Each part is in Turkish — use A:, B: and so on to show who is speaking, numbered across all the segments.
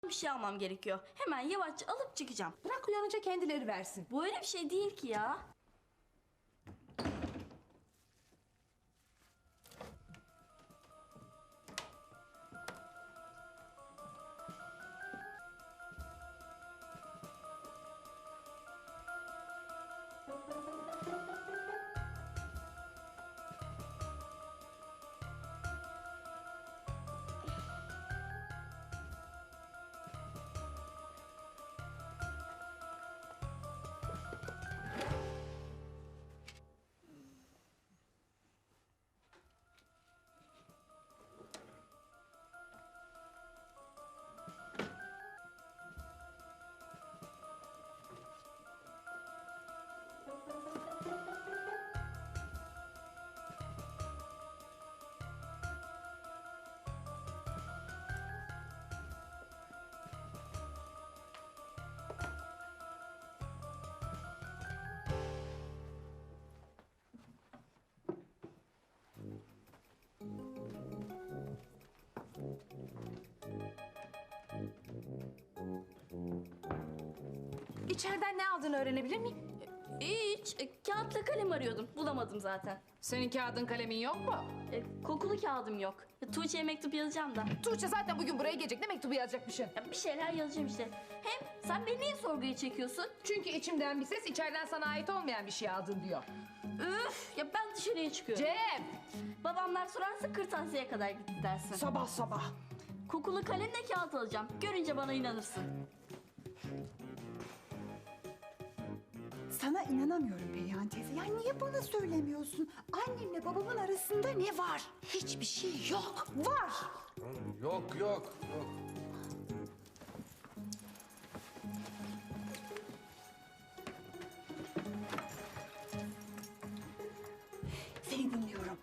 A: bir şey almam gerekiyor. Hemen yavaşça alıp çıkacağım.
B: Bırak uyanınca kendileri versin.
A: Bu öyle bir şey değil ki ya.
B: İçeriden ne aldığını öğrenebilir miyim?
A: Hiç. Kağıtla kalem arıyordum. Bulamadım zaten.
B: Senin kağıdın kalemin yok mu?
A: Kokulu kağıdım yok. Tuğçe'ye mektup yazacağım da.
B: Tuğçe zaten bugün buraya gelecek. Ne mektubu yazacakmışsın?
A: Bir şeyler yazacağım işte. Hem sen beni niye sorguya çekiyorsun?
B: Çünkü içimden bir ses içeriden sana ait olmayan bir şey aldın diyor.
A: Üf! Ya ben dışarıya çıkıyorum.
B: Cem!
A: Babamlar sorarsa kırtasiyeye kadar gitti dersin.
B: Sabah sabah.
A: Kokulu kalemle kağıt alacağım. Görünce bana inanırsın.
C: Sana inanamıyorum Perihan teyze. Ya niye bana söylemiyorsun? Annemle babamın arasında ne var? Hiçbir şey yok. Var.
D: Yok.
C: Seni dinliyorum.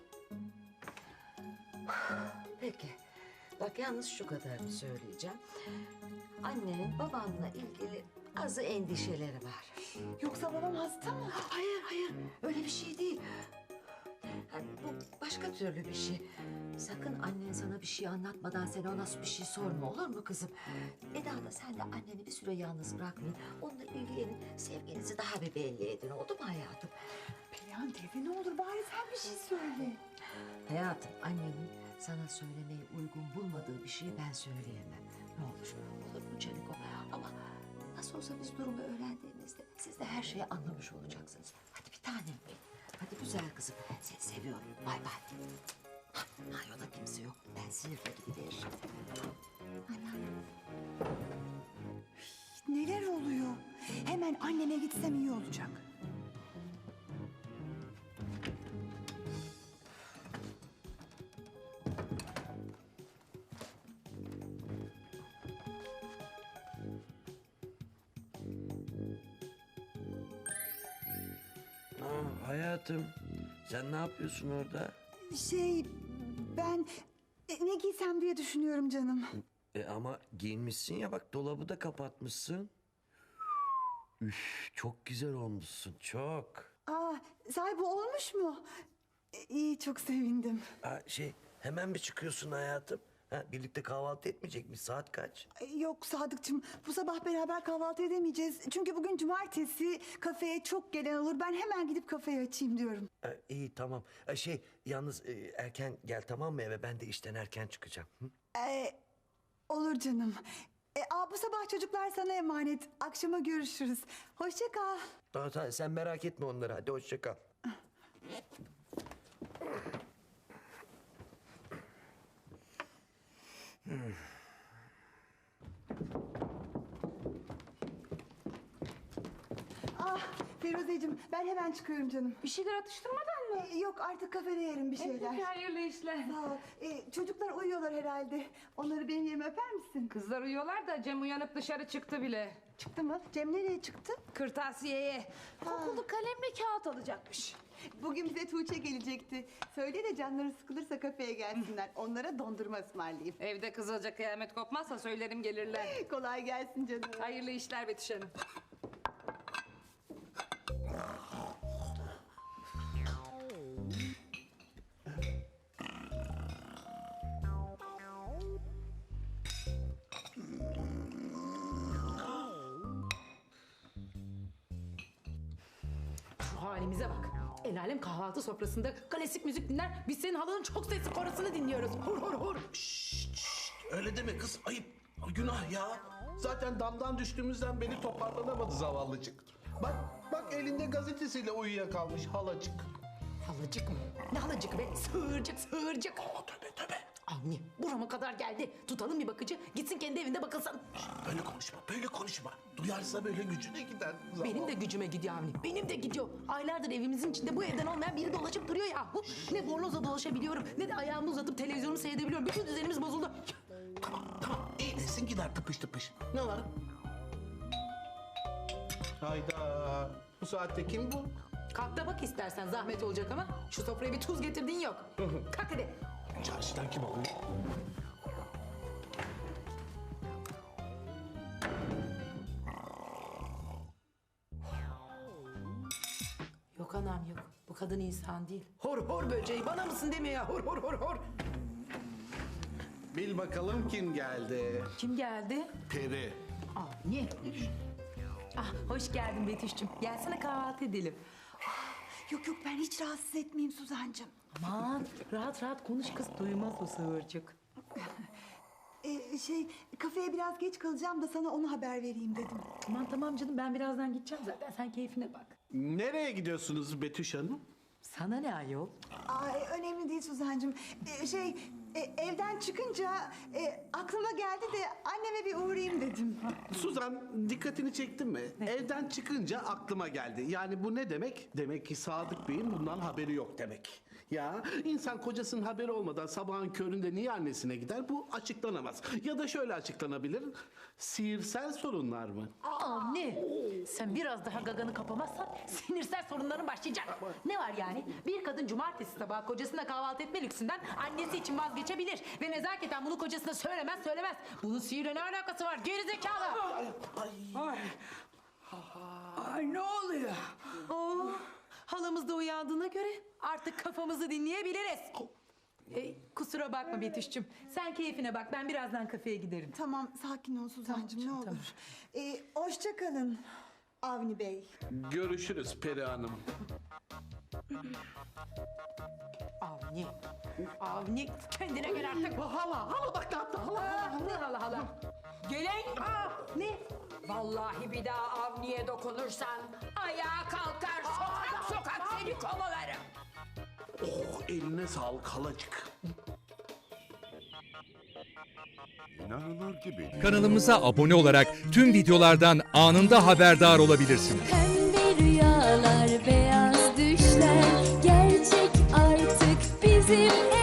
E: Peki. Bak yalnız şu kadarını söyleyeceğim. Annenin babanla ilgili azı endişeleri var.
C: Yoksa babam hasta mı?
E: Hayır. Öyle bir şey değil. Yani bu başka türlü bir şey. Sakın annen sana bir şey anlatmadan sen ona bir şey sorma, olur mu kızım? Eda da sen de anneni bir süre yalnız bırakmayın. Onunla ilgilenin, sevginizi daha bir belli edin. Oldu mu hayatım?
C: Perihan teyze ne olur bari sen bir şey söyle.
E: Hayatım, annenin sana söylemeyi uygun bulmadığı bir şeyi ben söyleyemem. Ne olur, olur mu Çeliko? Ama nasıl olsa biz durumu öğrendiğimizde siz de her şeyi anlamış olacaksınız. Hadi bir tanem benim. Hadi güzel kızım, seni seviyorum. Bay bay. Banyoda kimse yok. Ben sinirle gidiveririm.
C: Neler oluyor? Hemen anneme gitsem iyi olacak.
D: Hayatım, sen ne yapıyorsun orada?
C: Ben ne giysem diye düşünüyorum canım.
D: Ama giyinmişsin ya, bak dolabı da kapatmışsın. Üf, çok güzel olmuşsun, çok.
C: Sahibi olmuş mu? İyi, çok sevindim.
D: Hemen mi çıkıyorsun hayatım? Birlikte kahvaltı etmeyecek mi? Saat kaç?
C: Yok Sadıkçım, bu sabah beraber kahvaltı edemeyeceğiz. Çünkü bugün cumartesi, kafeye çok gelen olur. Ben hemen gidip kafeyi açayım diyorum.
D: İyi tamam. Yalnız erken gel, tamam mı eve? Ben de işten erken çıkacağım. Hı?
C: Olur canım. Bu sabah çocuklar sana emanet. Akşama görüşürüz. Hoşça kal.
D: Tamam, sen merak etme onları. Hadi hoşça kal.
C: Firuzeciğim, ben hemen çıkıyorum canım.
B: Bir şeyler atıştırmadan mı?
C: Yok, artık kafede yerim bir şeyler.
B: Peki, hayırlı işler.
C: Sağ ol. Çocuklar uyuyorlar herhalde. Onları benim yerime öper misin?
B: Kızlar uyuyorlar da Cem uyanıp dışarı çıktı bile.
C: Çıktı mı? Cem nereye çıktı?
B: Kırtasiyeye. Kokulu kalemle kağıt alacakmış.
C: Bugün bize Tuğçe gelecekti. Söyle de canları sıkılırsa kafeye gelsinler. Onlara dondurma ısmarlayayım.
B: Evde kızılca kıyamet kopmazsa söylerim gelirler.
C: Kolay gelsin canım.
B: Hayırlı işler Betüş Hanım. halimize bak. El alem kahvaltı sofrasında klasik müzik dinler. Biz senin halanın çok sesli korasını dinliyoruz. Hur hur hur.
F: Öyle deme kız, ayıp. Günah ya. Zaten damdan düştüğümüzden beri toparlanamadı zavallıcık. Bak elinde gazetesiyle uyuyakalmış halacık.
B: Halacık mı? Ne halacık be? Sığırcık sığırcık.
F: Tövbe.
B: Anne burama kadar geldi. Tutalım bir bakıcı. Gitsin kendi evinde bakılsın.
F: Böyle konuşma. Duyarsa böyle gücüne gider.
B: Benim de gücüme gidiyor Avni. Benim de gidiyor. Aylardır evimizin içinde bu evden olmayan biri dolaşıp duruyor ya. Ne bornozla dolaşabiliyorum ne de ayağımı uzatıp televizyonumu seyredebiliyorum. Bütün düzenimiz bozuldu.
F: Tamam. İyileşsin gider tıpış. Ne var? Hayda. Bu saatte kim bu?
B: Kalk da bak istersen zahmet olacak ama şu sofraya bir tuz getirdiğin yok. Kalk hadi.
F: Çarşıdan kim oluyor?
B: Yok anam yok. Bu kadın insan değil. Hor hor böceği bana mısın demiyor ya. Hor hor hor hor.
F: Bil bakalım kim geldi?
B: Kim geldi?
F: Peri.
B: Avni. Ah hoş geldin Betüş'cüm. Gelsene kahvaltı edelim.
C: Yok ben hiç rahatsız etmeyeyim Suzancığım.
B: Aman rahat rahat konuş kız. Duymaz o sığırcık.
C: Kafeye biraz geç kalacağım da sana onu haber vereyim dedim.
B: Tamam canım ben birazdan gideceğim zaten. Sen keyfine bak.
F: Nereye gidiyorsunuz Betüş Hanım?
B: Sana ne ayol?
C: Ay, önemli değil Suzancığım. Evden çıkınca aklıma geldi de anneme bir uğrayayım dedim.
F: Suzan dikkatini çekti mi? Evden çıkınca aklıma geldi. Yani bu ne demek? Demek ki Sadık Bey'in bundan haberi yok demek. Ya insan kocasının haberi olmadan sabahın köründe niye annesine gider? Bu açıklanamaz. Ya da şöyle açıklanabilir. Sihirsel sorunlar mı?
B: Anne sen biraz daha gaganı kapamazsan sinirsel sorunların başlayacak. Ne var yani? Bir kadın cumartesi sabahı kocasına kahvaltı etme lüksünden annesi için vazgeçebilir. Ve nezaketen bunu kocasına söylemez. Bunun sihirle ne alakası var? Gerizekalı. Ay ne oluyor? Halamız da uyandığına göre artık kafamızı dinleyebiliriz. Kusura bakma Betüş'cüm. Sen keyfine bak. Ben birazdan kafeye giderim.
C: Tamam sakin ol Suzancığım
B: Tamam,
C: ne
B: tamam.
C: olur. Hoşça kalın Avni Bey.
F: Görüşürüz Peri Hanım.
B: Avni kendine gel artık.
F: Hala bak ne yaptı hala.
B: Ne hala. Gelen. Ne?
G: Vallahi bir daha Avni'ye dokunursan ayağa kalkar sokak seni kovalarım.
F: Oh eline sağlık halacık.
H: İnanılır gibi değil.
I: Kanalımıza abone olarak tüm videolardan anında haberdar olabilirsiniz.
J: Pembe rüyalar, beyaz düşler gerçek artık bizim